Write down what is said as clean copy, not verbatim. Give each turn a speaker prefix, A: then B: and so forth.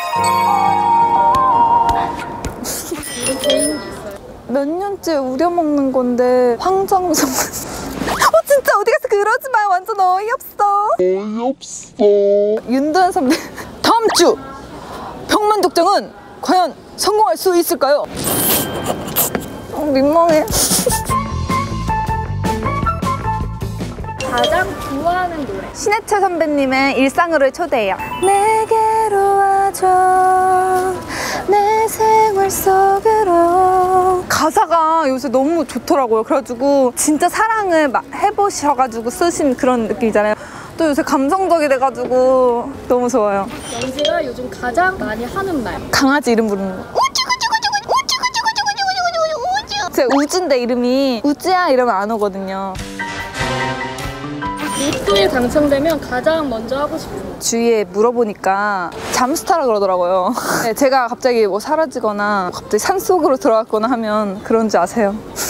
A: 몇 년째 우려먹는 건데 황정성 진짜 어디 가서 그러지 마요. 완전 어이없어. 윤도현 선배 다음 주 병만독정은 과연 성공할 수 있을까요? 민망해.
B: 가장 좋아하는 노래.
A: 신해철 선배님의 일상으로 초대해요. 내게로 와줘 내 생활 속으로. 가사가 요새 너무 좋더라고요. 그래가지고 진짜 사랑을 해보셔가지고 쓰신 그런 느낌이잖아요. 또 요새 감성적이 돼가지고 너무 좋아요.
B: 영지가 요즘 가장 많이 하는 말.
A: 강아지 이름 부르는 거. 제 우주인데 이름이 우주야 이러면 안 오거든요.
B: 로또에 당첨되면 가장 먼저 하고 싶은 거.
A: 주위에 물어보니까 잠수타라 그러더라고요. 네, 제가 갑자기 뭐 사라지거나 갑자기 산속으로 들어갔거나 하면 그런 줄 아세요.